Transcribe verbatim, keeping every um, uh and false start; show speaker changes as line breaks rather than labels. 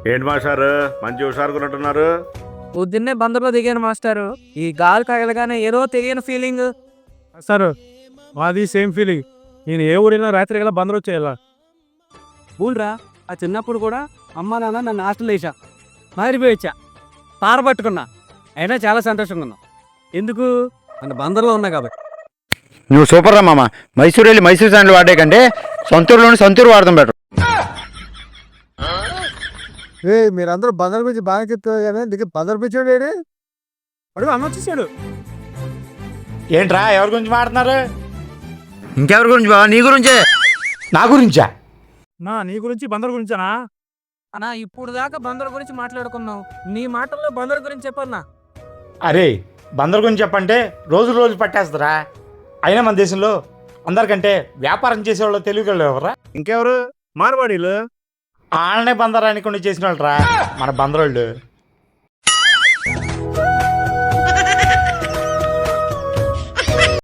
ఏంటి మాస్టారు మంచి హుషారుకున్నట్టున్నారు?
పొద్దున్నే బందర్లో దిగాను మాస్టారు. ఈ గాలి తగలగానే ఏదో తెలియని ఫీలింగ్.
సార్ మాది సేమ్ ఫీలింగ్. నేను ఏ ఊరైనా రాత్రి గల బందరు వచ్చేయాల.
ఊళ్ళరా ఆ చిన్నప్పుడు కూడా అమ్మ నాన్న నన్ను హాస్టల్ వేసా మారిపోయి వచ్చా తార పట్టుకున్నా. అయినా చాలా సంతోషంగా ఉన్నా. ఎందుకు? మన బందర్లో ఉన్నా కాబట్టి.
నువ్వు సూపర్ రా మామ. మైసూరు వెళ్ళి మైసూరు శాండ్లు వాడే కంటే సొంతూరులోని సొంతూరు వాడతాం బెటర్.
ఏ మీరందరూ బందర్ గురించి బాగా చెప్తారు కానీ దిగి బందర్ పిచ్చాడు ఏడి అడుగు అన్న వచ్చేసాడు.
ఏంట్రా ఎవరి గురించి మాట్లాడుతున్నారు?
ఇంకెవరి గురించి బావా? నీ గురించే.
నా గురించా?
నా నీ గురించి బందర్ గురించానా?
అన్నా ఇప్పుడు దాకా బందర్ గురించి మాట్లాడుకున్నావు, నీ మాటల్లో బందర్ గురించి చెప్పన్నా.
అరే బందర్ గురించి చెప్పంటే రోజు రోజు పట్టేస్తారా. అయినా మన దేశంలో అందరికంటే వ్యాపారం చేసేవాళ్ళు తెలుగు ఎవరా?
ఇంకెవరు? మార్వాడీలు.
వాళ్ళనే బందర్ అనుకుని చేసిన వాళ్ళు రా మన బందరోళ్ళు.